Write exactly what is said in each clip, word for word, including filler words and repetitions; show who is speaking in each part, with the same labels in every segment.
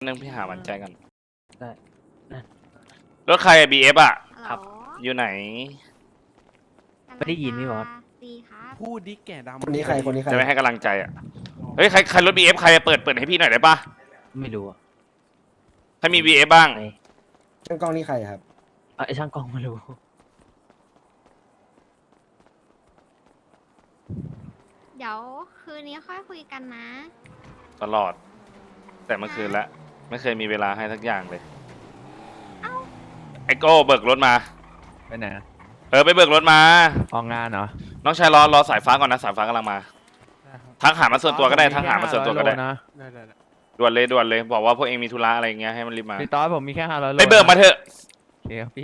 Speaker 1: นึงพี่หามันใจกัน
Speaker 2: ได้นะ
Speaker 1: รถใครบีเอฟอ่ะ
Speaker 2: ครับ
Speaker 1: อยู่ไหน
Speaker 2: ไม่ได้ยินพี่บอส
Speaker 3: ดีครับ
Speaker 4: พูดดิแก่ดำ
Speaker 5: คนนี้ใครคนนี้ใคร
Speaker 1: จะไม่ให้กำลังใจอ่ะ เฮ้ยใครใครรถบีเอฟใครเปิดเปิดให้พี่หน่อยได้ปะ
Speaker 2: ไม่รู้อะ
Speaker 1: ใครมีบีเอฟบ้าง
Speaker 2: ไอ
Speaker 5: ช่างกล้องนี่ใครครับ
Speaker 2: เอาไอช่างกล้องไม่รู้
Speaker 3: เดี๋ยวคืนนี้ค่อยคุยกันนะ
Speaker 1: ตลอด แต่เมื่อคืนละไม่เคยมีเวลาให้สักอย่างเลย
Speaker 3: เอ้า
Speaker 1: ไอโก้เบิกรถมา
Speaker 6: ไปไหนอะ
Speaker 1: เออไปเบิกรถมา
Speaker 6: ออกงานเหรอ
Speaker 1: น้องชายรอรอสายฟ้าก่อนนะสายฟ้ากำลังมาทักหามาส่วนตัวก็ได้ทักหามาส่วนตัวก็ได้
Speaker 6: นะ
Speaker 4: ได้ได้ได้
Speaker 1: ด่วนเลยด่วนเลยบอกว่าพวกเองมีธุระอะไรอย่างเงี้ยให้มันรีบมา
Speaker 6: พี่ต๊อดผมมีแค่ห้าร้อยโล
Speaker 1: ไปเบิกมาเถอะ
Speaker 6: โอเคครับพี่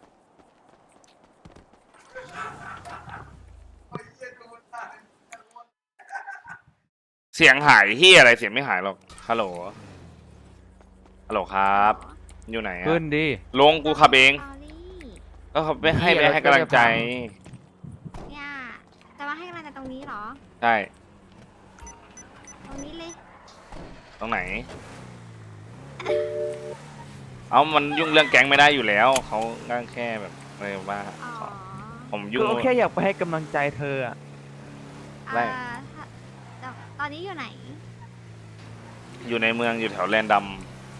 Speaker 1: เสียงหายที่อะไรเสียงไม่หายหรอกฮัลโหลฮัลโหลครับ อยู่ไหนอะ
Speaker 6: ขึ้นดิ
Speaker 1: ลงกูขับเอง
Speaker 3: สอรี่
Speaker 1: ก็เขาไปให้ไปให้กำลังใจ
Speaker 3: เนี่ยจะมาให้กำลังใจตรงนี้เหรอ
Speaker 1: ใช่
Speaker 3: ตรงนี้เลย
Speaker 1: ตรงไหน เอามันยุ่งเรื่องแก๊งไม่ได้อยู่แล้วเขาง่างแค่แบบอะไรว่า
Speaker 3: อ๋อ
Speaker 1: ผมยุ่ง
Speaker 6: ก็แค่อยากไปให้กำลังใจเธออะ
Speaker 1: ได้
Speaker 3: อ่าถ้าแต่ตอนนี้อยู่ไหน
Speaker 1: อยู่ในเมืองอยู่แถวแลนดัม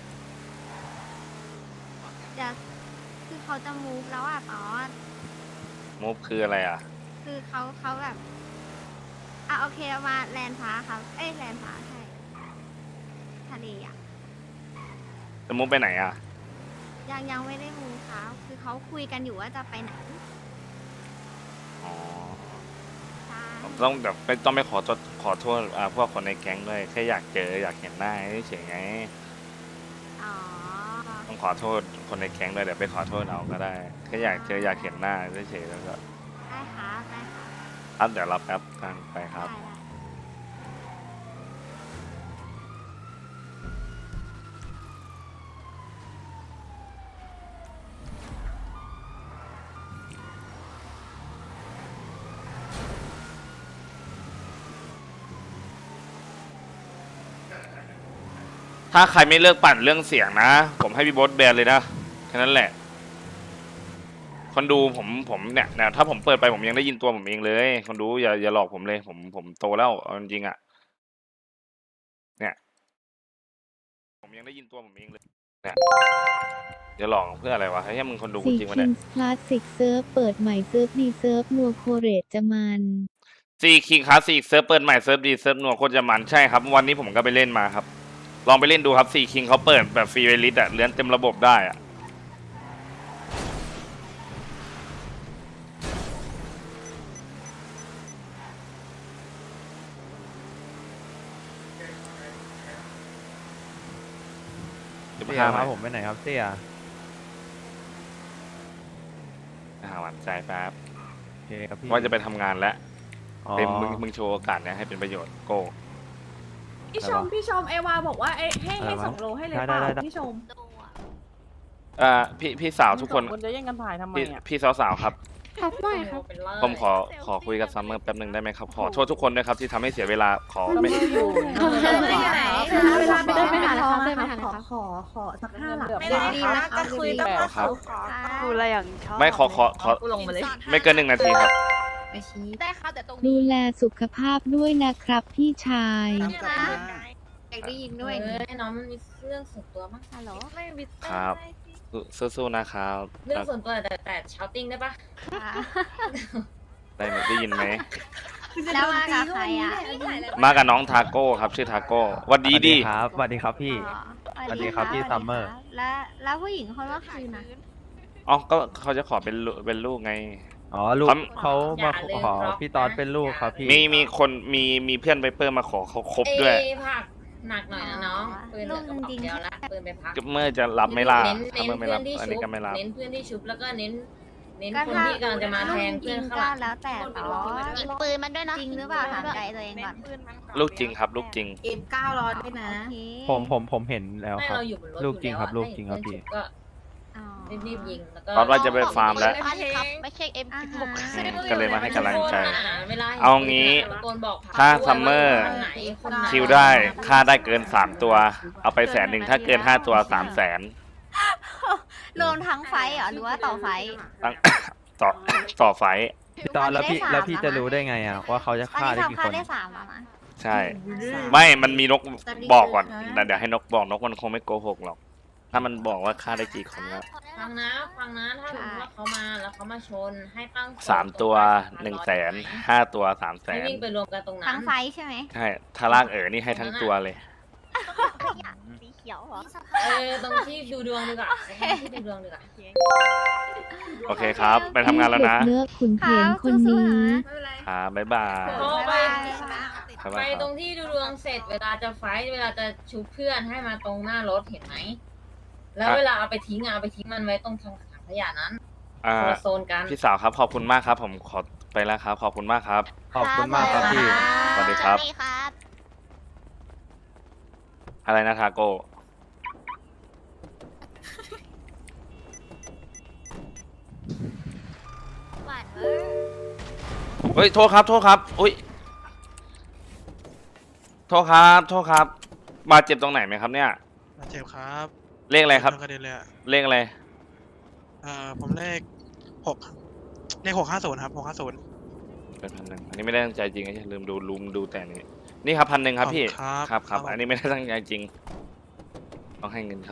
Speaker 3: เดี๋ยวคือเขาจะมูฟแล้วอ่ะตอน
Speaker 1: มูฟคืออะไรอ่ะ
Speaker 3: คือเขาเขาแบบ อ่ะโอเคเอามาแลนฟ้าครับ เอ้ยแลนฟ้าใช่ ทะเลอ่ะ
Speaker 1: จะมูฟไปไหนอ่ะ
Speaker 3: ยังยังไม่ได้มูฟครับคือเขาคุยกันอยู่ว่าจะไปไหน
Speaker 1: อ๋อ
Speaker 3: ใช่
Speaker 1: ผมต้องแบบไม่ต้องไปขอโทษขอโทษอ่าพวกคนในแก๊งด้วยแค่อยากเจออยากเห็นหน้าเฉยๆไง
Speaker 3: อ๋อ
Speaker 1: ต้องขอโทษคนในแก๊งด้วยเดี๋ยวไปขอโทษเอาก็ได้แค่อยากเจออยากเห็นหน้าเฉยๆแล้วก็
Speaker 3: ได้ครับได้ครับ
Speaker 1: ครับเดี๋ยวรับแป๊บกันไปครับ
Speaker 3: ได้ได้
Speaker 1: ถ้าใครไม่เลิกปั่นเรื่องเสียงนะ ผมให้พี่โบ๊ทแบนเลยนะแค่นั้นแหละ คนดูผมผมเนี่ยเนี่ยถ้าผมเปิดไปผมยังได้ยินตัวผมเองเลย คนดูอย่าอย่าหลอกผมเลย ผมผมโตแล้วเอาจริงๆอ่ะเนี่ย ผมยังได้ยินตัวผมเองเลยเนี่ยอย่าหลอกเพื่ออะไรวะให้มึงคนดูจ
Speaker 7: สี่
Speaker 1: ริงวะ
Speaker 7: คิ
Speaker 1: เนี่ย
Speaker 7: งส์คลาสสิกเซิร์ฟเปิดใหม่เซิร์ฟดีเซิร์ฟนัวโคเรตจะมัน
Speaker 1: ซีคิงคลาสสิกเซิร์ฟเปิดใหม่เซิร์ฟดีเซิร์ฟนัวโคตรจะมันใช่ครับวันนี้ผมก็ไปเล่นมาครับ ลองไปเล่นดูครับซีคิงเขาเปิดแบบฟรีเวลิสอะเลื่อนเต็มระบบได้อะจะไป
Speaker 6: เสีย
Speaker 1: หา
Speaker 6: พา
Speaker 1: ผ
Speaker 6: ผม มไปไหนครับเสีย
Speaker 1: หาหวานใจแป๊บ
Speaker 6: โอเคครับพี่
Speaker 1: ว่าจะไปทำงานแล้ว
Speaker 6: อ๋อ
Speaker 1: เต็มมึงมึงโชว์โอกาสเนี้ยให้เป็นประโยชน์โก้
Speaker 8: พี่ชมพี่ชมเอวาบอกว่าเอ้ให้ให้ส่งโลให้เลยเปล่าพี่ชม
Speaker 1: เอ่อพี่พี่สาวทุกคน
Speaker 8: คนจะแย่งกันถ่ายทำไม
Speaker 1: พี่
Speaker 8: อ่ะ
Speaker 1: พี่สาวสาวๆครับ
Speaker 8: ครับไม่ครับ
Speaker 1: ผมขอขอคุยกับซัมเมอร์แป๊บหนึ่งได้ไหมครับ ขอโทษทุกคนด้วยครับที่ทำให้เสียเวลาขอไม่
Speaker 8: อยู่
Speaker 3: เวลาไปเดินไปหา
Speaker 8: ทอง
Speaker 3: เดินไปหา
Speaker 8: ขอขอขอสักห้าหลัก
Speaker 3: ไม่ได้ดีนะก็คุยแบบ
Speaker 1: ครับ
Speaker 3: คุยอะไรอย่างชอบ
Speaker 1: ไม่ขอขอขอ
Speaker 8: ลงมาเลย
Speaker 1: ไม่เกินหนึ่งนาทีครับ
Speaker 3: ไปชี้
Speaker 8: ได้ครับแต่ตรง
Speaker 7: ดูแลสุขภาพด้วยนะครับพี่ชาย
Speaker 3: อยากได้ยินด้วย
Speaker 9: เออน้องมันมีเรื่องส่วนตัวมั้ง
Speaker 3: ฮัลโหล
Speaker 9: ไม่วิต
Speaker 1: ครับ สู้ๆนะครับ
Speaker 9: เรื่องส่วนตัวแต่แต่ชาวติ้งได้ปะ
Speaker 1: ได้ไหมได้ยินไหม
Speaker 3: แล้วมากับใครอ่ะ
Speaker 1: มากับน้องทาโก้ครับชื่อทาโก้หวัดดี
Speaker 6: สวัส
Speaker 1: ดี
Speaker 6: ครับสวัสดีครับพี่
Speaker 3: อ๋อ
Speaker 6: สวัสดีครับพี่
Speaker 3: สวัส
Speaker 6: ซัมเมอร์
Speaker 3: คบแล้วแล้วผู้หญิงคนว่าคืนนะ
Speaker 1: อ๋อก็เขาจะขอเป็นลูกเป็นลูกไง
Speaker 6: อ๋อลูก
Speaker 1: ครับ
Speaker 6: เขามาขอพี่ต๊อดเป็นลูกครับพี่
Speaker 1: มีมีคนมีมีเพื่อนไวเปอร์มาขอเขาครบด้วย
Speaker 9: เอ้ผักหนักหน่อยนะน้องปืนเหลือกระบอกเดียวละปืนไปพัก
Speaker 1: เมื่อจะรับไม่ล่า
Speaker 9: เน้น
Speaker 1: ถ้า
Speaker 9: เน้น
Speaker 1: เมื่อไม่
Speaker 9: เพื่
Speaker 1: รั
Speaker 9: อบ นที่
Speaker 1: อัน
Speaker 9: ชุ
Speaker 1: นี้
Speaker 9: บ
Speaker 1: ก็ไม่รับ
Speaker 9: เน้นเพื่อนที่ชุบแล้วก็เน้นเน้น
Speaker 3: ก็
Speaker 9: คน
Speaker 3: ถ้า
Speaker 9: ที่กำลังจะมาแทง
Speaker 3: จ
Speaker 9: เพื่
Speaker 3: ริ
Speaker 9: อน
Speaker 3: ง
Speaker 9: ข้าง
Speaker 3: ก็
Speaker 9: หลัง
Speaker 3: แล้วแต่ต่อ
Speaker 8: หยิบปืนมันด้วยนะ
Speaker 3: จริงหรือเปล่าถามใจตัวเองก่อน
Speaker 1: ลูกจริงครับ ลูกจริง
Speaker 8: เอ็มเก้าร้อยด้วยนะ
Speaker 3: โอเค
Speaker 6: ผมผมผมเห็นแล้ว
Speaker 9: ไม่
Speaker 6: ครับ
Speaker 9: เราอยู่บนรถ
Speaker 6: ลูกจริงครับ
Speaker 9: อยู่
Speaker 6: ลู
Speaker 9: แล้ว
Speaker 6: กจริงครับพี่
Speaker 9: ก็
Speaker 3: อ๋อ
Speaker 9: รีบๆยิงแล้วก็
Speaker 1: ตอนว่าจะไปฟาร์มแล้ว
Speaker 9: ไม่ใช่เอ็ม
Speaker 3: อ่า
Speaker 9: สิบหก
Speaker 3: ฮะ
Speaker 1: อืมก็เลยมาให้กำลังใจ
Speaker 9: เวลา
Speaker 1: เอางี้
Speaker 9: ตะโกนบอก
Speaker 1: ถ้าซัมเมอร์
Speaker 9: คนไหนคนไหน
Speaker 1: คิวได้ค่าได้เกินสามตัว เอาไปแสนหนึ่งถ้าเกินห้าตัวสามแสน
Speaker 3: รวมทั้งไฟท์เหรอหรือว่าต่อไฟท์
Speaker 1: ตั้ง ต่อต่อไฟท์
Speaker 6: พี่ตอนแล้วพี่
Speaker 3: ได้สาม
Speaker 6: แล้วพี่
Speaker 3: แล้ว
Speaker 6: จะ
Speaker 3: นะ
Speaker 6: รู้ได้ไงอ่ะว่าเขาจะ
Speaker 3: ตอน
Speaker 6: ฆ่า
Speaker 3: นี้
Speaker 6: ได้กี่
Speaker 3: ทำค่า
Speaker 6: คน
Speaker 3: ได้สามแล้วนะ
Speaker 1: ใช่ ไม่มันมีนกบอกก่อนแต่เดี๋ยวให้นกบอกนกมันคงไม่โกหกหรอก ถ้ามันบอกว่าฆ่าได้กี่คนแล้ว
Speaker 9: ฟังนะฟังนะถ้าสมมติว่าเขามาแล้วเขามาชนให้ตั้ง
Speaker 1: สามตัวหนึ่งแสนห้าตัวสามแส
Speaker 9: ให้
Speaker 1: น
Speaker 9: วิ่งไปรวมกันตรงนั้น
Speaker 3: ทั้งไฟท์ใช่ไหม
Speaker 1: ใช่ถ้าลากเอ๋อนี่ให้ทั้งตัวเลย
Speaker 3: สีเขียวเหรอ
Speaker 9: เออตรงที่ดูดวงดีกว่าตรงที่ดูดวงดีกว่า
Speaker 1: โอเคครับ ไปทำงานแล้วนะ
Speaker 7: เลือกขุนเพียนคนนี้
Speaker 8: ไม่เป็นไร
Speaker 1: ครับบ๊ายบาย
Speaker 9: พอไป
Speaker 1: บ๊าย
Speaker 9: ไป
Speaker 1: บายค
Speaker 9: ต
Speaker 1: รั
Speaker 9: ร
Speaker 1: บ
Speaker 9: งที่ดูดวงเสร็จเวลาจะไฟท์เวลาจะชุบเพื่อนให้มาตรงหน้ารถเห็นไหมแล้วเวลาเอาไปทิ้งอะเอาไปทิ้งมันไว้ตรงถังขยะนั้น
Speaker 1: อ่า
Speaker 9: คนละโซนกัน
Speaker 1: พี่สาวครับขอบคุณมากครับ ผมขอไปแล้วครับ ขอบคุณมากครับ
Speaker 6: ขอบคุณมากครับพี่
Speaker 1: สวัสดีครับ
Speaker 3: สวัสดีครับ
Speaker 1: อะไรนะทาโก้
Speaker 3: หวานเวอร์
Speaker 1: เฮ้ยโทษครับโทษครับอุ้ยโทษครับโทษครับ บาดเจ็บตรงไหนไหมครับเนี่ย
Speaker 4: มาเจ็บครับ
Speaker 1: เลขอะไรครับ
Speaker 4: โดนกระเด็นเลยอะ
Speaker 1: เลขอะไร
Speaker 4: เอ่อผมเลขหกเลขหกห้าศูนย์ครับหกห้าศูนย์
Speaker 1: เป็นพันหนึ่งอันนี้ไม่ได้ตั้งใจจริงนะลืมดูลุมดูแต่นี้นี่ครับพันหนึ่งครับพี่
Speaker 4: ครับ
Speaker 1: ครับครับ
Speaker 4: ผม
Speaker 1: อันนี้ไม่ได้ตั้งใจจริง ต้องให้เงินเขา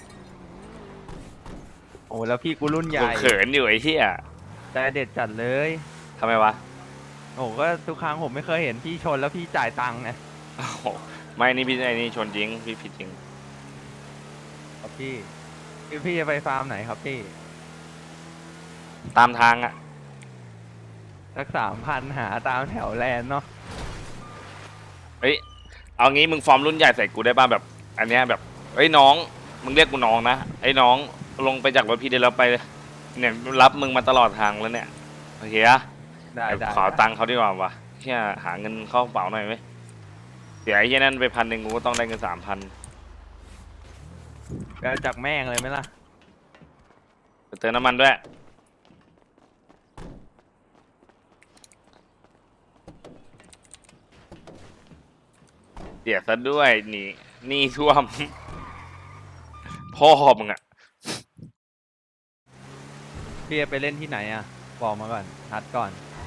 Speaker 6: โอ้แล้วพี่กูรุ่นใหญ่
Speaker 1: กูเขินอยู่ไอ้เหี้ย
Speaker 6: ใจเด็ดจัดเลย
Speaker 1: ทำไมวะ
Speaker 6: โอ้ก็ทุกครั้งผมไม่เคยเห็นพี่ชนแล้วพี่จ่ายตังค์ไง
Speaker 1: โอ้โหไม่นี่พี่ไอ้นี่ชนจริงพี่ผิดจริง
Speaker 6: ครับพี่คือพี่จะไปฟาร์มไหนครับพี่
Speaker 1: ตามทางอ่ะ
Speaker 6: สักสามพันหาตามแถวแลนด์เนาะ
Speaker 1: เฮ้ยเอางี้มึงฟอร์มรุ่นใหญ่ใส่กูได้ป่ะแบบ อันเนี้ยแบบเฮ้ยน้องมึงเรียกกูน้องนะไอ้น้องลงไปจากรถพี่เดี๋ยวเราไปเนี่ยรับมึงมาตลอดทางแล้วเนี่ยโอเคอะ
Speaker 6: ได้ได้
Speaker 1: ขอตังค์เขาดีกว่าวะเฮียหาเงินเข้ากระเป๋าหน่อยไหมเดี๋ยวไอ้เฮียนั่นไปพันหนึ่งกูก็ต้องได้เงินสามพัน
Speaker 6: ไปเอาจากแม่งเลยไหมล่ะ
Speaker 1: เติมน้ำมันด้วยเดี๋ยวซะด้วยนี่นี่ท่วม พ่อมึงอะ
Speaker 6: พี่จะไปเล่นที่ไหนอ่ะบอกมาก่อนนัดก่อน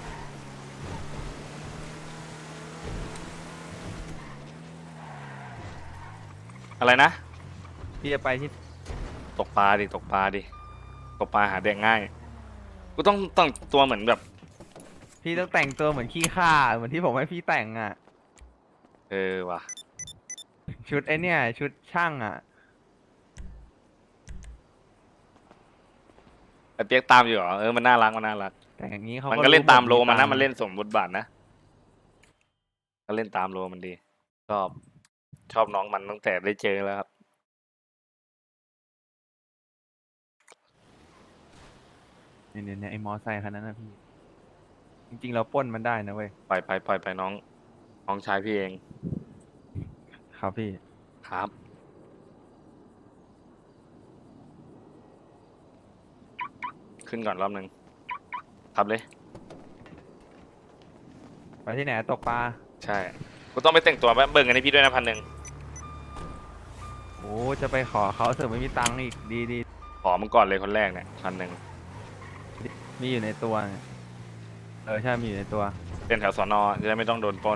Speaker 1: อะไรนะ
Speaker 6: พี่จะไปที่
Speaker 1: ตกปลาดิตกปลาดิตกปลาหาแดงง่าย กูต้องต้องตัวเหมือนแบบ
Speaker 6: พี่ต้องแต่งตัวเหมือนขี้ข้าเหมือนที่ผมให้พี่แต่งอ่ะ
Speaker 1: เออว่ะ
Speaker 6: ชุดไอเนี่ยชุดช่างอ่ะ
Speaker 1: ไอเปียกตามอยู่เหรอเออมันน่ารักมันน่ารัก
Speaker 6: แต่อย่างนี้เขา
Speaker 1: มัน
Speaker 6: ก็
Speaker 1: ก็เล่นตามโลมันนะ
Speaker 6: ตังค์
Speaker 1: มันเล่นสมบทบาทนะก็เล่นตามโลมันดีชอบชอบน้องมันตั้งแต่ได้เจอแล้วครับ
Speaker 6: เนี่ยเนี่ยเนี่ยไอมอไซค์คันนั้นนะพี่ จริงๆเราปล้นมันได้นะเว้ย
Speaker 1: ปล่อยไปปล่อยไปน้องน้องชายพี่เอง
Speaker 6: ครับพี่
Speaker 1: ครับ ขึ้นก่อนรอบหนึ่งขับเลย
Speaker 6: ไปที่ไหนตกปลา
Speaker 1: ใช่กูต้องไปแต่งตัวเบิ่งกันให้พี่ด้วยนะพันหนึ่ง
Speaker 6: โอ้จะไปขอเขาเสริมไม่มีตังค์อีกดีดี
Speaker 1: ขอมึงก่อนเลยคนแรกเนี่ยพันหนึ่ง
Speaker 6: มีอยู่ในตัวเนี่ยเออใช่มีอยู่ในตัว
Speaker 1: เป็นแถวสอนอจะได้ไม่ต้องโดนปล้น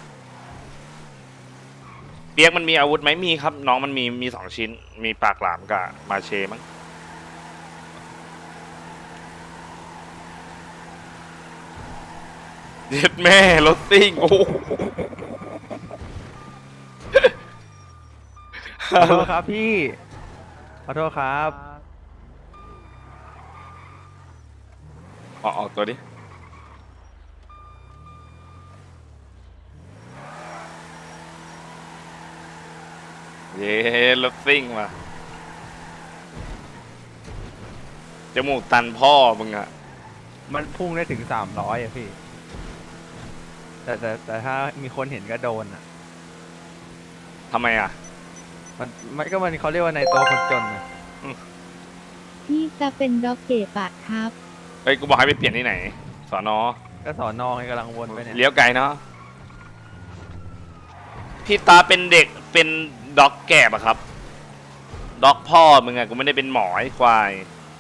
Speaker 1: เปียกมันมีอาวุธไหมมีครับ น้องมันมีมีสองชิ้น มีปากหลามกับมาเชมั้งเด็ดแม่รถซิ่งโอ้โห
Speaker 6: ขอโทษครับพี่ ขอโทษครับ
Speaker 1: ออกออกตัวดิเย้รถซิ่งมาจมูกตันพ่อมึงอะ
Speaker 6: มันพุ่งได้ถึงสามร้อยอะพี่ แต่แต่แต่ถ้ามีคนเห็นก็โดนอะ
Speaker 1: ทำไมอะ
Speaker 6: มันมันก็มันเขาเรียกว่าในตัวคนจนอะ
Speaker 7: พี่จะเป็นด็อกเก็บอะครับ
Speaker 1: เฮ้ยกูบอกให้ไปเปลี่ยนที่ไหนสอนอ
Speaker 6: ก็สอนอไงกำลังวนไปเนี่ย
Speaker 1: เลี้ยวไกลเนาะพี่ตาเป็นเด็กเป็นด็อกแก่ปะครับด็อกพ่อมึงอะกูไม่ได้เป็นหมอไอ้ควาย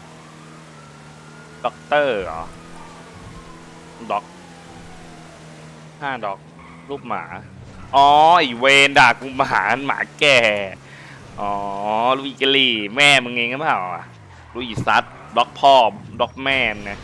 Speaker 1: ด็อกเตอร์เหรอด็อกห้าด็อกรูปหมาอ๋อไอเวนด่ากูหมาหมาแก่อ๋อลูกอีกะลี่แม่มึงเองก็เปล่าอ่ะลูกอีซัดด็อกพ่อด็อกแม่มึงนะ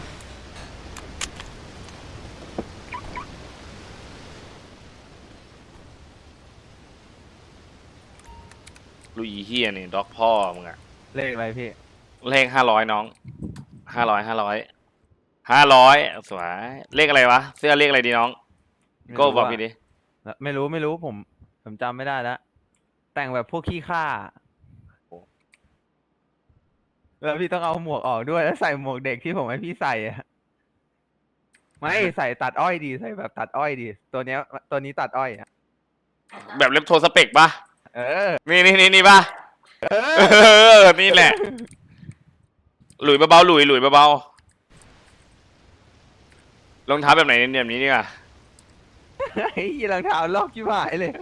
Speaker 1: ลูกอีเฮียนี่ด็อกพ่อมึงอะ
Speaker 6: เลขอะไรพี่
Speaker 1: เลขห้าร้อยน้องห้าร้อยห้าร้อยห้าร้อยสวยเลขอะไรวะเสื้อเลขอะไรดีน้อง
Speaker 6: ไม่
Speaker 1: โก้
Speaker 6: รู้
Speaker 1: บอก
Speaker 6: อะ
Speaker 1: พี่ดิ
Speaker 6: ไม่รู้ไม่รู้ผมผมจำไม่ได้แล้วแต่งแบบพวกขี้ข้าแล้วพี่ต้องเอาหมวกออกด้วยแล้วใส่หมวกเด็กที่ผมให้พี่ใส่อะไม่ใส่ตัดอ้อยดีใส่แบบตัดอ้อยดีตัวเนี้ยตัวนี้ตัดอ้อยอะ
Speaker 1: แบบเล็บโทรสเปกปะ
Speaker 6: เออ
Speaker 1: นี่นี่นี่นี่ปะเออนี่แหละ หลุยเบาๆหลุยหลุยเบาๆรองเท้าแบบไหนเนี่ยแบบนี้ดีกว่า
Speaker 6: ไอ้ยี่รองเท้าลอกชิบหายเลย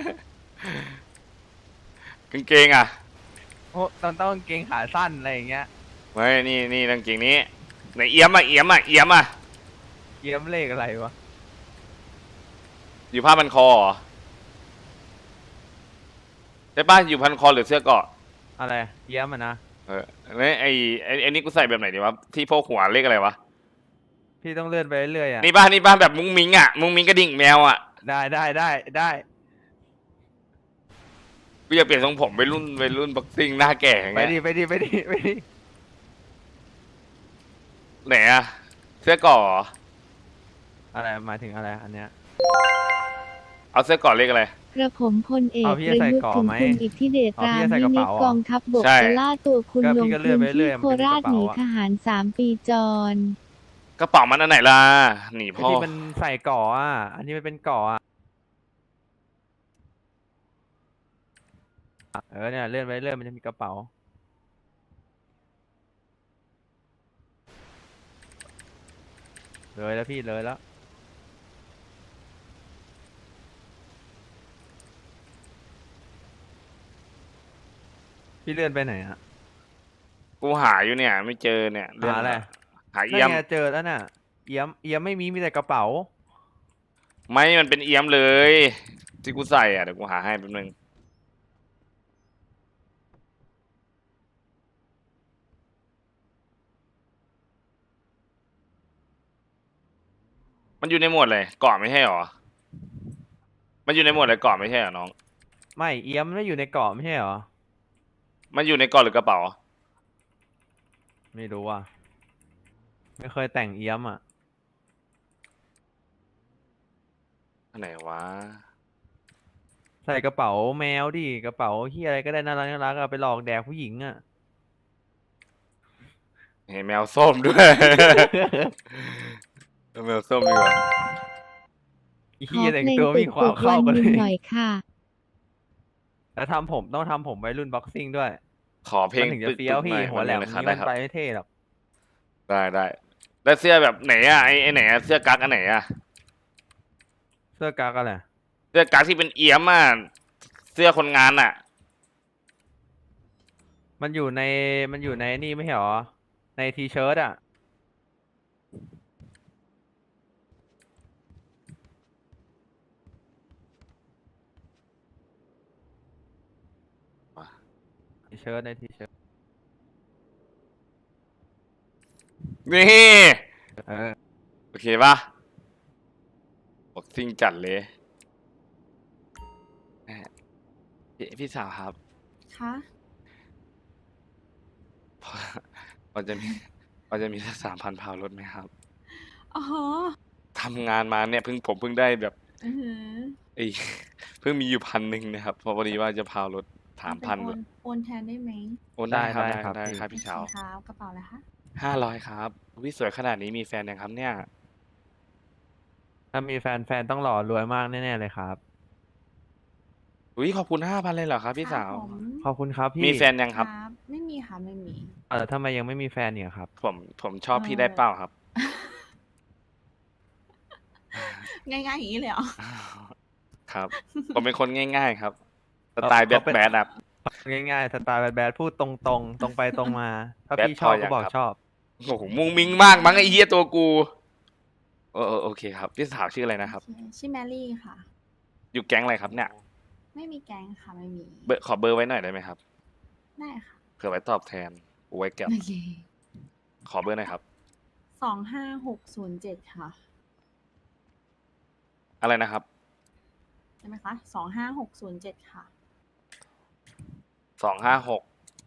Speaker 1: กางเกงอ่ะ
Speaker 6: โอ้ต้องต้องกางเกงขาสั้นอะไรอย่างเงี้ย
Speaker 1: ไม่นี่นี่กางเกงนี้ไหนเอี้ยมอ่ะเอี้ยมอ่ะเอี้ยมอ่ะ
Speaker 6: เยี่ยมเลขอะไรวะ
Speaker 1: อยู่ผ้าพันคอเหรอใช่ป่ะอยู่พันคอหรือเสื้อเกราะ
Speaker 6: อะไรเยี่ยมอ่ะนะ
Speaker 1: เออนี่ไอไอไอนี่กูใส่แบบไหนดีวะที่พวกหัวเลขอะไรวะ
Speaker 6: พี่ต้องเลื่อนไปเรื่อยๆอ่ะ
Speaker 1: นี่ป่ะนี่ป่ะแบบมุ้งมิ้งอ่ะมุ้งมิ้งกระดิ่งแมวอ่ะ
Speaker 6: ได้ได้ได้ได้
Speaker 1: กูอยากเปลี่ยนทรงผมไปรุ่นไปรุ่นบ็อกซิ่งหน้าแก่อย่าง
Speaker 6: ไป
Speaker 1: เงี้ย
Speaker 6: ดิไปดิไปดิไปดิ
Speaker 1: ไหนอะเสื้อเก่อเหรอ
Speaker 6: อะไรหมายถึงอะไรอันเนี้ย
Speaker 1: เอาเสื้อเก่อเลขอะไร
Speaker 7: กระผมพลเอก
Speaker 6: เอาพี่
Speaker 7: ประ
Speaker 6: จะใส่
Speaker 7: ยุทธ์
Speaker 6: ก่อ
Speaker 7: ถึง
Speaker 6: ไหม
Speaker 7: คุณอิทธิเดช
Speaker 6: เอา
Speaker 7: รา
Speaker 6: พี่
Speaker 7: ม
Speaker 6: จะใส่
Speaker 7: วิ
Speaker 6: กระ
Speaker 7: นิ
Speaker 6: เป๋า
Speaker 7: จ
Speaker 6: อะ
Speaker 7: กองทัพบก
Speaker 1: ใช่
Speaker 7: จะล่าตัวคุณ
Speaker 6: ก็
Speaker 7: ล
Speaker 6: พี่
Speaker 7: ง
Speaker 6: ก็เลื่
Speaker 7: พื้
Speaker 6: อน
Speaker 7: น
Speaker 6: ไปเรื่
Speaker 7: ที่
Speaker 6: อยๆ
Speaker 7: โคราช
Speaker 6: มัน
Speaker 7: ห
Speaker 6: เป็นกระเป๋าอะ
Speaker 7: นีทหารสามปีจร
Speaker 1: กระเป๋ามันอันไหนล่ะหนี
Speaker 6: ไอ้
Speaker 1: พ่อ
Speaker 6: ที่มันใส่ก่ออ่ะอันนี้มันเป็นก่ออ่ะเออเนี่ยเลื่อนไปเรื่อยมันจะมีกระเป๋าเลยแล้วพี่เลยแล้วพี่เลื่อนไปไหนอ่ะ
Speaker 1: กูหาอยู่เนี่ย ไม่เจอเนี่ยเง
Speaker 6: หาอะไร
Speaker 1: หา
Speaker 6: นั่
Speaker 1: เอี้ย
Speaker 6: น
Speaker 1: ม
Speaker 6: ไงเจอแล้วน่ะเอี้ยมเอี้ยมไม่มีมีแต่กระเป๋า
Speaker 1: ไม่มันเป็นเอี้ยมเลย ที่กูใส่อ่ะเดี๋ยวกูหาให้แป๊บนึงมันอยู่ในหมวดเลยเกาะไม่ใช่หรอ มันอยู่ในหมวดอะไรเกาะไม่ใช่หรอน้อง
Speaker 6: ไม่เอี้ยมไม่อยู่ในเกาะไม่ใช่เหรอ
Speaker 1: มันอยู่ในเกาะหรือกระเป๋า
Speaker 6: ไม่รู้อ่ะไม่เคยแต่งเอี้ยมอ่ะ
Speaker 1: อันไหนวะ
Speaker 6: ใส่กระเป๋าแมวดิกระเป๋าที่อะไรก็ได้น่ารักน่ารักเอาไปหลอกแดกผู้หญิงอ่ะ
Speaker 1: เห็นแมวส้มด้วย เอาแมวส้มดีกว่า
Speaker 6: อี
Speaker 7: ข
Speaker 6: เหี้
Speaker 7: อย
Speaker 6: แต่ง
Speaker 7: เพลง
Speaker 6: ตัว
Speaker 7: ป
Speaker 6: ไมีความ
Speaker 7: ลุก
Speaker 6: เข้า
Speaker 7: ๆ
Speaker 6: กั
Speaker 7: วัน น
Speaker 6: เล
Speaker 7: หนึ่ง
Speaker 6: ย
Speaker 7: หน่อยค่ะ
Speaker 6: แล้วทำผมต้องทำผมไว้รุ่นบ็อกซิ่งด้วย
Speaker 1: ขอเพลง
Speaker 6: มันถึงจะเฟี้ยวพี่หัวแหลม
Speaker 1: นะครับ
Speaker 6: นี้
Speaker 1: ได้
Speaker 6: มัน
Speaker 1: ครับ
Speaker 6: ไปไม่เท่หรอก
Speaker 1: ได้ได้แล้วเสื้อแบบไหนอ่ะไอไอไหนอ่ะเสื้อกั๊กอันไหนอ่ะ
Speaker 6: เสื้อกากอะไร
Speaker 1: เสื้อกั๊กที่เป็นเอี้ยมอ่ะเสื้อคนงานอ่ะ
Speaker 6: มันอยู่ในมันอยู่ในนี่ไม่ใช่หรอในทีเชิ้ตอ่ะทีเชิ้ตในทีเชิ้ต
Speaker 1: นี่
Speaker 6: เออ
Speaker 1: โอเคป่ะบอกซิ่งจัดเลยแหม่พี่พี่สาวครับ
Speaker 8: คะ
Speaker 1: พอพอจะมีพอจะมีสักสามพันพาวรถไหมครับ
Speaker 8: อ๋อ
Speaker 1: ทำงานมาเนี่ยเพิ่งผมเพิ่งได้แบบ
Speaker 8: อือหือ
Speaker 1: ไอ้เพิ่งมีอยู่พันหนึ่งนะครับเพอพอดีว่าจะพาวรถสามพัน
Speaker 8: เอเป็โอนโอนแทนได้ไหม
Speaker 1: โอนได้ครับ
Speaker 6: ได้
Speaker 1: ได้
Speaker 6: ครับ
Speaker 1: ได้
Speaker 6: พี่
Speaker 1: ครับพี่สาว
Speaker 8: โอเคครับกระเป๋าอะไรคะ
Speaker 1: ห้าร้อยครับวิสวยขนาดนี้มีแฟนยังครับเนี่ย
Speaker 6: ถ้ามีแฟนแฟนต้องหล่อรวยมากแน่ๆเลยครับ
Speaker 1: อุ้ยขอบคุณห้าพันเลยเหรอครับพี่สาว
Speaker 8: ครับผม
Speaker 6: ขอบคุณครับพี่
Speaker 1: มีแฟนยังครับ
Speaker 8: ไม่มีมีค่ะไม่มี
Speaker 6: เออทำไมยังไม่มีแฟนเนี่ยครับ
Speaker 1: ผมผมชอบพี่
Speaker 8: เออ
Speaker 1: ได้เป้าครับ
Speaker 8: ง่ายๆอย่างนี้เลยเหรอ
Speaker 1: ครับ ผมเป็นคนง่าย ๆ ครับสไตล์แบ
Speaker 6: เขา
Speaker 1: ด
Speaker 6: เป็น
Speaker 1: แบดครับ
Speaker 6: ง่ายๆสไตล์แบดๆพูดตรงๆ ตรงไปตรงมา ถ้า
Speaker 1: แบด
Speaker 6: พี่ชอบ
Speaker 1: พอยั
Speaker 6: ก็
Speaker 1: ง
Speaker 6: บอก
Speaker 1: ครับ
Speaker 6: ชอบ
Speaker 1: โอ้โหมุงมิงมากมั้งไอ้เหี้ยตัวกูเออเออโอเคครับพี่สาวชื่ออะไรนะครับ
Speaker 8: โอเคชื่อแมรี่ค่ะ
Speaker 1: อยู่แก๊งอะไรครับเนี่ย
Speaker 8: ไม่มีแก๊งค่ะไม่มี
Speaker 1: เบอร์ขอเบอร์ไว้หน่อยได้ไหมครับ
Speaker 8: ได้ค่ะ
Speaker 1: เผื่อไว้ตอบแทนกูไว้แก็บ
Speaker 8: โอเค
Speaker 1: ขอเบอร์หน่อยครับ
Speaker 8: สองห้าหกศูนย์เจ็ดค่ะ
Speaker 1: อะไรนะครับ
Speaker 8: ใช่ไหมคะสองห้าหกศูนย์เจ็ดค่ะ
Speaker 1: สองห้าหก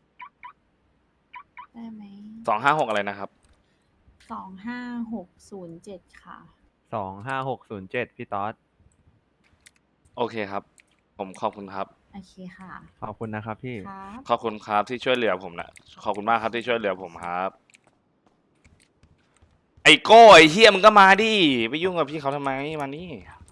Speaker 8: ได้ไหม
Speaker 1: สองห้าหกอะไรนะครับ
Speaker 8: สองห้าหกศูนย์เจ็ดค่ะ
Speaker 6: สองห้าหกศูนย์เจ็ดพี่ต๊อด
Speaker 1: โอเคครับ ผมขอบคุณครับ
Speaker 8: โอเคค่ะ
Speaker 6: ขอบคุณนะครับพี่
Speaker 8: ครับ
Speaker 1: ขอบคุณครับที่ช่วยเหลือผมนะขอบคุณมากครับที่ช่วยเหลือผมครับ ไอ้โก้ไอ้เฮียมึงก็มาดิไปยุ่งกับพี่เขาทำไมมานี่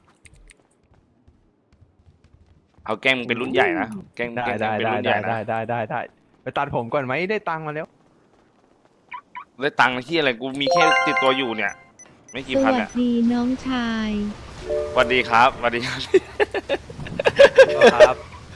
Speaker 1: เอาแกล้งมึงเป็นรุ่นใหญ่นะแกล้ง
Speaker 6: ได้
Speaker 1: แกล้ง
Speaker 6: ได้
Speaker 1: เป็น
Speaker 6: ได้
Speaker 1: รุ่นให
Speaker 6: ได้
Speaker 1: ญ่นะ
Speaker 6: ได้ได้ได้ได้ไปตัดผมก่อนไหมได้ตังค์มาแล้ว
Speaker 1: ได้ตังค์ที่อะไรกูมีแค่ติดตัวอยู่เนี่ย ไม่กี่
Speaker 7: ส
Speaker 1: พัน
Speaker 7: วัส
Speaker 1: อ่ะ
Speaker 7: ดีน้องชาย
Speaker 1: สวัสดีครับสวัสดีครับ
Speaker 6: ครับ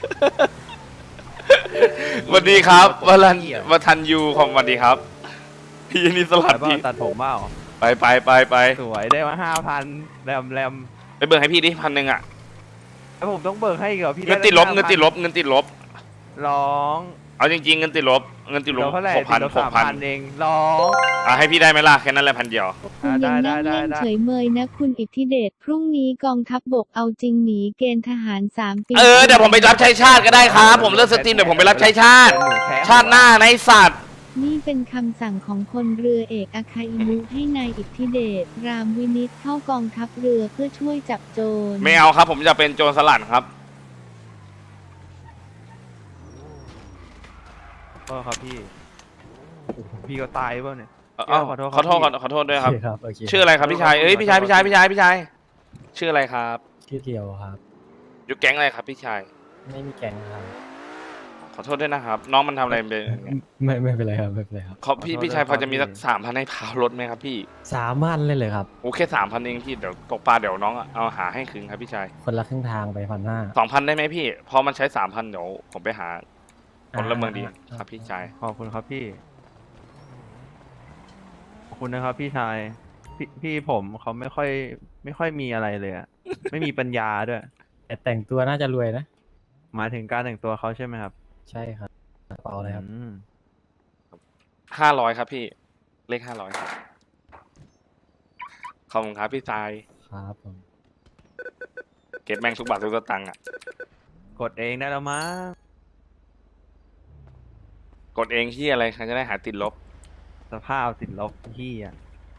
Speaker 1: สวัสดีครับวรันวทันยูของสวัสดีครับพี่นี่สลั
Speaker 6: ไป
Speaker 1: ด
Speaker 6: เปล่า
Speaker 1: พี่
Speaker 6: ตัดผมเปล่า
Speaker 1: ไปไปไปไป
Speaker 6: สวยได้มาห้าพันแรมแรม
Speaker 1: ไปเบิกให้พี่ดิพันหนึ่งอ่ะ
Speaker 6: แล้วผมต้องเบิกให้อีกเหรอพี่
Speaker 1: เงินติดลบ
Speaker 6: ไ
Speaker 1: เงินติดลบเงินติดลบ
Speaker 6: ร้อง
Speaker 1: เอาจริงๆเงินติดลบเงินติดล
Speaker 6: เดี๋
Speaker 1: บ
Speaker 6: ยวเท่าไหร่
Speaker 1: หกพัน
Speaker 6: ติดลบ
Speaker 1: ห
Speaker 6: สาก ม
Speaker 1: พัน
Speaker 6: พันเองร้อง
Speaker 1: อ่ะให้พี่ได้ไหมล่ะแค่นั้นแหละพันเดียว
Speaker 7: คุณยังนั่ง
Speaker 6: ได้ได้
Speaker 7: เล่น
Speaker 6: ได้
Speaker 7: เฉยเมยนะคุณอิทธิเดชพรุ่งนี้กองทัพบกเอาจริงหนีเกณฑ์ทหารสามปี
Speaker 1: เออเดี๋ยวผมไปรับใช้ชาติก็ได้ครับ ผมเลิกสตรีมเดี๋ยวผมไปรับใช้ชาติ ชาติหน้าในสัตว์
Speaker 7: นี่เป็นคำสั่งของพลเรือเอกอาคาอิมุให้นายอิทธิเดชรามวินิตเข้ากองทัพเรือเพื่อช่วยจับโจร
Speaker 1: ไม่เอาครับ ผมจะเป็นโจรสลัดครับ
Speaker 6: ก็ครับพี่โอ้โหพี่ก็ตายเปล่าเนี่ย
Speaker 1: เอ้า
Speaker 6: ขอโทษ
Speaker 1: ขอโทษ
Speaker 6: ครับ
Speaker 1: ขอโทษด้วยครับ
Speaker 5: ครับโอเค
Speaker 1: ชื่ออะไรครับพี่ชายเอ้ยพี่ชายพี่ชายพี่ชายพี่ชายชื่ออะไรครับ
Speaker 5: ชื่อเกียวครับ
Speaker 1: อยู่แก๊งอะไรครับพี่ชาย
Speaker 5: ไม่มีแก๊งครับ
Speaker 1: ขอโทษด้วยนะครับ น้องมันทำอะไรเป็นอย่างเงี้ย
Speaker 5: ไม่ไม่เป็นไรครับไม่เป็นไรครับ
Speaker 1: เขาพี่พี่ชายพอจะมีสักสามพันให้พาวรถไหมครับพี่
Speaker 5: สามพันเลยเลยครับ
Speaker 1: โอเคสามพันเองพี่เดี๋ยวตกปลาเดี๋ยวน้องเอาหาให้คืนครับพี่ชาย
Speaker 5: คนละครึ่งทางไปพันห้า
Speaker 1: สองพันได้ไหมพี่พอมันใช้สามพันเดี๋ยวผมไปหาคนละเมืองดี
Speaker 5: อ่า
Speaker 1: ครับพี่ชาย
Speaker 6: ขอบคุณครับพี่ ขอบคุณนะครับพี่ชาย พี่พี่ผมเขาไม่ค่อย ไม่ค่อยมีอะไรเลยอะ ไม่มีปัญญาด้วย
Speaker 5: แต่แต่งตัวน่าจะรวยนะ
Speaker 6: หมายถึงการแต่งตัวเขาใช่ไหมครับ
Speaker 5: ใช่ครับกระเป๋าอะไรครับ
Speaker 6: อืม
Speaker 1: ห้าร้อยครับพี่ เลขห้าร้อยครับขอบคุณครับพี่ชาย
Speaker 5: ครับผม
Speaker 1: เก็บแม่งทุกบาททุกสตังค์อ่ะ
Speaker 6: กดเองได้แล้วมั้ง
Speaker 1: กดเองที่อะไรใครจะได้หาติดลบ
Speaker 6: สภาพติดลบพี่อะ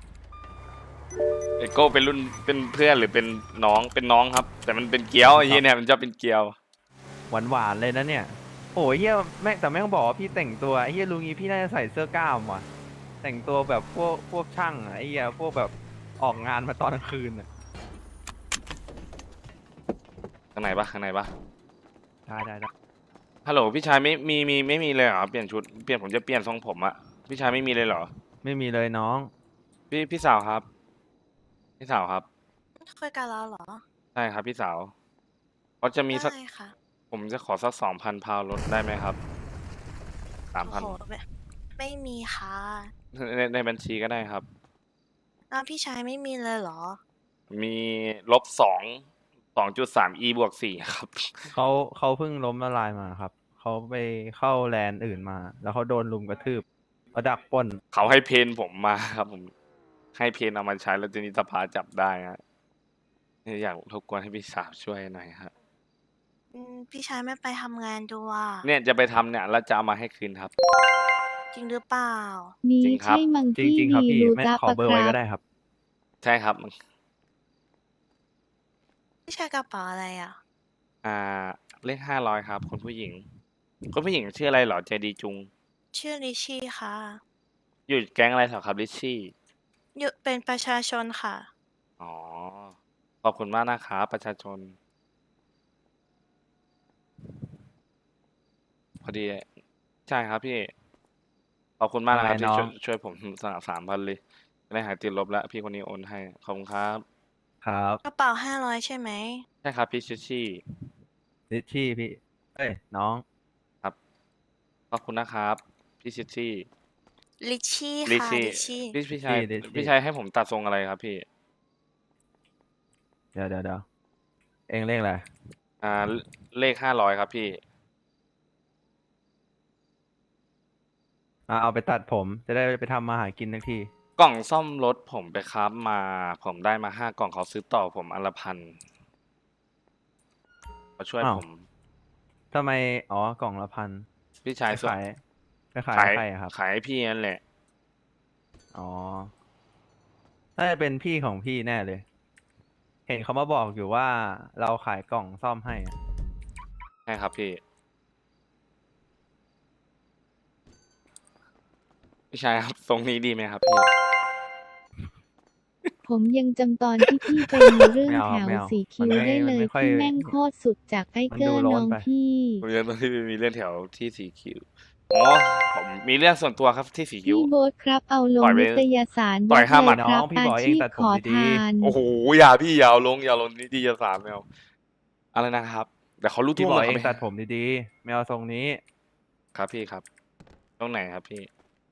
Speaker 1: เอโก้เป็นรุ่นเป็นเพื่อนหรือเป็นน้องเป็นน้องครับ แต่มันเป็นเกี๊ยวไอ้เหี้ยเนี่ยมันจะเป็นเกี๊ยว
Speaker 6: หวานหวานๆเลยนะเนี่ย โอ้ยเฮียแม่งแต่แม่งบอกว่าพี่แต่งตัวไอ้เฮียลุงนี้พี่น่าจะใส่เสื้อกล้ามว่ะ แต่งตัวแบบพวกพวกช่างอะไอ้เฮียพวกแบบออกงานมาตอนกลางคืนอะ
Speaker 1: ข้างในปะข้างในปะ
Speaker 6: ได้ได้ได้
Speaker 1: ฮัลโหลพี่ชายไม่มีมีไม่มีเลยเหรอเปลี่ยนชุดเปลี่ยนผมจะเปลี่ยนทรงผมอะพี่ชายไม่มีเลยเหรอ
Speaker 6: ไม่มีเลยน้อง
Speaker 1: พี่พี่สาวครับ พี่สาวครับ
Speaker 3: คุยกันแล้วเหรอ
Speaker 1: ใช่ครับพี่สาวเขาจะมีสัก
Speaker 3: ได้ค่ะ
Speaker 1: ผมจะขอสักสองพันพาวลดได้ไหมครับสามพัน
Speaker 3: โอ้โหไม่ไม่มีค่ะ
Speaker 1: ในในบัญชีก็ได้ครับ
Speaker 3: อ้าวพี่ชายไม่มีเลยเหรอ
Speaker 1: มีลบสองสองจุดสาม e บวกสี่ครับ
Speaker 6: เขาเขาเพิ่งล้มละลายมาครับ เขาไปเข้าแลนด์อื่นมา แล้วเขาโดนลุมกระทืบเขาดักปล้น
Speaker 1: เขาให้เพนผมมาครับ ผม ให้เพนเอามาใช้แล้วทีนี้สภาจับได้ฮะอยากรบกวนให้พี่สาวช่วยหน่อยครับ
Speaker 3: อืมพี่ชายไม่ไปทำงานดูอ่ะ
Speaker 1: เนี่ยจะไปทำเนี่ยแล้วจะเอามาให้คืนครับ
Speaker 3: จริงหรือเปล่า
Speaker 7: นี่
Speaker 1: จริงครับ
Speaker 7: ใช่มัง
Speaker 6: จ
Speaker 7: คี
Speaker 6: ริง ๆ ครับ
Speaker 7: ดี
Speaker 6: พี่
Speaker 7: ลู
Speaker 6: ไม่
Speaker 7: ตา
Speaker 6: ขอ
Speaker 7: ปะ
Speaker 6: เบอร์
Speaker 7: ค
Speaker 6: ไว้
Speaker 7: รั
Speaker 6: ก็
Speaker 7: บ
Speaker 6: ได้ครับ
Speaker 1: ใช่ครับ
Speaker 3: พี่ชายกระเป๋าอะไรอ่ะ
Speaker 1: อ่าเลขห้าร้อยครับคุณผู้หญิงคุณผู้หญิงชื่ออะไรเหรอใจดีจุง
Speaker 3: ชื่อลิชชี่ค่ะ
Speaker 1: อยู่แก๊งอะไรเหรอครับลิชชี่
Speaker 3: อยู่เป็นประชาชนค่ะ
Speaker 1: อ๋อขอบคุณมากนะครับประชาชน พอดีใช่ครับพี่ขอบคุณมากนะครับ
Speaker 6: อะไร
Speaker 1: ที่
Speaker 6: น้อง
Speaker 1: ช่วยช่วยผมสามสามพันเลยจะได้หายติดลบแล้ว พี่คนนี้โอนให้ ขอบคุณครับ
Speaker 6: ครับ
Speaker 10: กระเป๋าห้าร้อยใช่ไหม
Speaker 1: ใช่ครับพี่ชิชี่
Speaker 6: ลิชชี่พี่ เอ้ย น้อง
Speaker 1: ครับ ขอบคุณนะครับ พี่ชิชี่
Speaker 10: ลิชชี่
Speaker 1: ลิ
Speaker 10: ค่ะ
Speaker 1: ชี่
Speaker 10: ลิชชี่
Speaker 1: พี่พี่ชาย
Speaker 6: ลิชชี่
Speaker 1: พี่ชายให้ผมตัดทรงอะไรครับพี่
Speaker 6: เดี๋ยวเดี๋ยวเดี๋ยวเองเลขอะไร
Speaker 1: อ่าเลขห้าร้อยครับพี่
Speaker 6: อ่ะเอาไปตัดผม จะได้ไปทำมาหากินทักที
Speaker 1: กล่องซ่อมรถผมไปคราฟมา ผมได้มาห้ากล่องเขาซื้อต่อผมอันละพันมาช่วย
Speaker 6: อ้าว
Speaker 1: ผม
Speaker 6: ทำไม อ๋อ กล่องละพัน
Speaker 1: พี่
Speaker 6: ไป
Speaker 1: ชายส่ง
Speaker 6: ขายไปขาย
Speaker 1: ขาย
Speaker 6: ให้ใครอะครับ
Speaker 1: ขายให้พี่นั่นแหละ
Speaker 6: อ๋อ น่าจะเป็นพี่ของพี่แน่เลย เห็นเขามาบอกอยู่ว่าเราขายกล่องซ่อมให้อะ
Speaker 1: ใช่ครับพี่ พี่ชายครับ ทรงนี้ดีไหมครับพี่
Speaker 7: ผมยังจำตอนที่พี่ไปมีเรื่อง
Speaker 6: ไม่เอา
Speaker 7: แถว
Speaker 6: ไม่เอา
Speaker 7: สีคิ้ว
Speaker 6: มันไม่
Speaker 7: ได้เล
Speaker 6: มัน
Speaker 7: ย
Speaker 6: ไม่ค่อย
Speaker 7: ที่แม่งโคตรสุดจากไอ้
Speaker 6: มัน
Speaker 7: เกอ
Speaker 6: ดู
Speaker 7: ร์
Speaker 6: โล้
Speaker 7: น้
Speaker 6: น
Speaker 7: อง
Speaker 6: ไป
Speaker 7: พี่
Speaker 1: ผมยังตอนที่มีเรื่องแถวที่สีคิ้วอ๋อผมมีเรื่องส่วนตัวครับที่สีคิ้ว
Speaker 7: พี่โบ๊ทครับเอาลง
Speaker 1: ปล่อยไป
Speaker 7: นิตยสาร
Speaker 1: ปล่อยห้าหมัด
Speaker 7: เลยครับ
Speaker 6: น้องพี่
Speaker 7: อา
Speaker 6: บอกเอง
Speaker 7: ชีพ
Speaker 6: ตัดผม
Speaker 7: ขอ
Speaker 6: ดีๆ
Speaker 7: ทาน
Speaker 1: โอ้โหอย่าพี่อยาวลงอยาลงนิตยสารไม่เอาอะไรนะครับเดี๋ยวเขารู้
Speaker 6: พี่
Speaker 1: ทั่ว
Speaker 6: บอก
Speaker 1: หมด
Speaker 6: เอง
Speaker 1: เขาไม่
Speaker 6: ตัดผมดีๆ ไม่เอาทรงนี้
Speaker 1: ครับพี่ครับตรงไหนครับพี่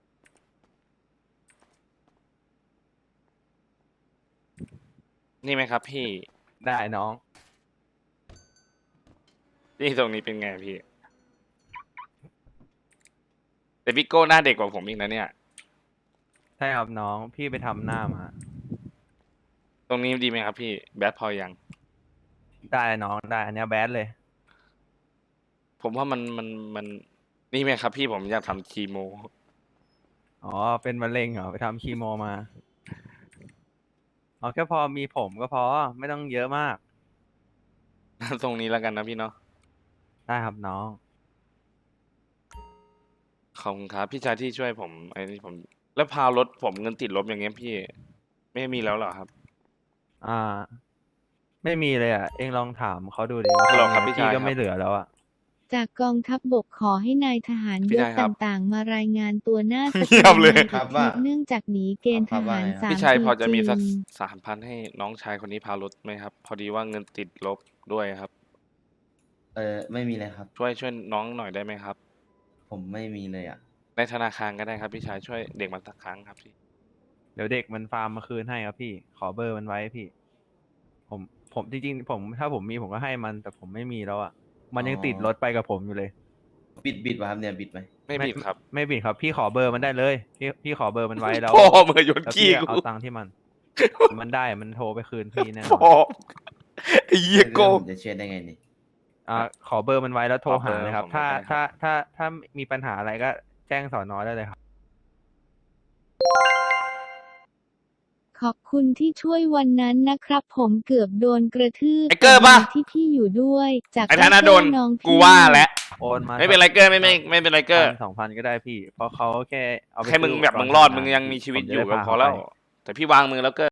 Speaker 1: นี่ไหมครับพี่
Speaker 6: ได้น้อง
Speaker 1: นี่ตรงนี้เป็นไงพี่ แต่พี่โก้หน้าเด็กกว่าผมอีกนะเนี่ย
Speaker 6: ใช่ครับน้อง พี่ไปทำหน้ามา
Speaker 1: ตรงนี้ดีไหมครับพี่ แบทพอยัง
Speaker 6: ได้น้องได้ อันเนี้ยแบดเลย
Speaker 1: ผมว่ามันมันมันนี่ไหมครับพี่ผมอยากทำคีโม
Speaker 6: อ๋อ เป็นมะเร็งเหรอ ไปทำคีโมมา อ๋อ แค่พอมีผมก็พอ ไม่ต้องเยอะมาก
Speaker 1: ตรงนี้แล้วกันนะพี่เนาะ
Speaker 6: ได้ครับน้อง
Speaker 1: ขอบคุณครับพี่ชายที่ช่วยผมไอ้นี่ผม แล้วพารถผมเงินติดลบอย่างเงี้ยพี่ ไม่มีแล้วเหรอครับ
Speaker 6: อ่า ไม่มีเลยอ่ะ เองลองถามเขาดูดิว่า
Speaker 1: ฮัลโหล
Speaker 6: เขา
Speaker 1: ครับ
Speaker 6: มี
Speaker 1: พี่ชาย
Speaker 6: ก็
Speaker 1: ครับ
Speaker 6: ไม่เหลือแล้วอ่ะ
Speaker 7: จากกองทัพบบกขอให้นายทหาร
Speaker 1: พี่
Speaker 7: ยศ
Speaker 1: ชายครับ
Speaker 7: ต่างๆ มารายงานตัวหน้าส
Speaker 1: เงียบเลย
Speaker 7: ภาในอาทิตย์เนื่องจากหนีเกณฑ์ทหารสาม
Speaker 1: พี่ชาย
Speaker 7: ปี
Speaker 1: พอจะมีสัก
Speaker 7: จริง
Speaker 1: สามพันให้น้องชายคนนี้พารถไหมครับ พอดีว่าเงินติดลบด้วยครับ
Speaker 11: เออไม่มีเลยครับ
Speaker 1: ช่วยช่วยน้องหน่อยได้ไหมครับ
Speaker 11: ผมไม่มีเลยอ่ะ
Speaker 1: ในธนาคารก็ได้ครับพี่ชายช่วยเด็กมาสักครั้งครับพี่
Speaker 6: เดี๋ยวเด็กมันฟาร์มมาคืนให้ครับพี่ ขอเบอร์มันไว้พี่ ผม ผมจริงๆ ผม ถ้าผมมีผมก็ให้มัน แต่ผมไม่มีแล้วอ่ะ มันยัง
Speaker 11: อ๋อ
Speaker 6: ติดรถไปกับผมอยู่เลย
Speaker 11: บิดบิดวะครับเนี่ยบิดไหม
Speaker 1: ไม่ผิดครับ
Speaker 6: ไม่บิดครับ พี่ขอเบอร์มันได้เลย พี่พี่ขอเบอร์มันไว้แล้ว
Speaker 1: พ่อมือโยน
Speaker 6: แล้ว
Speaker 1: ขี้
Speaker 6: พี่
Speaker 1: กู
Speaker 6: เอาตังค์ที่มัน มันได้ มันโทรไปคืนพี่แน่นอน
Speaker 1: พ่อไอ้เหี้ยโก้
Speaker 11: ผมจะเช็ดได้ไงนี่
Speaker 6: อ่าขอเบอร์มันไว้แล้วโทร
Speaker 1: ขอเบ
Speaker 6: หา
Speaker 1: อร์
Speaker 6: เลยครับ
Speaker 1: ผม
Speaker 6: ถ้า
Speaker 1: ได้ครับ
Speaker 6: ถ้าถ้าถ้ามีปัญหาอะไรก็แจ้งสอนอได้เลยครับ
Speaker 7: ขอบคุณที่ช่วยวันนั้นนะครับ ผมเกือบโดนกระทืบ
Speaker 1: ไอ้เกอร์ปะ
Speaker 7: แต่ดีที่พี่อยู่ด้วย จาก
Speaker 1: ไอ้ธนาโดน
Speaker 7: เกอร์น้องพี่
Speaker 1: กูว่าแล้ว
Speaker 6: โอนมา
Speaker 1: ไม่เป็นไรเกอร์ไม่ไม่ไม่เป็นไรเกอร์
Speaker 6: พันสองพันก็ได้พี่ เพราะเขาแค่เอาไป
Speaker 1: แค่มึง
Speaker 6: ซื้
Speaker 1: แบบ
Speaker 6: ปกรณ์
Speaker 1: มึงรอด
Speaker 6: ทำ
Speaker 1: มึงยังมีชีวิต
Speaker 6: ผ
Speaker 1: อยู่
Speaker 6: จะได้
Speaker 1: ก็
Speaker 6: พา
Speaker 1: พอแล้ว
Speaker 6: เขาไป
Speaker 1: แต่พี่วางมือแล้วเกอร์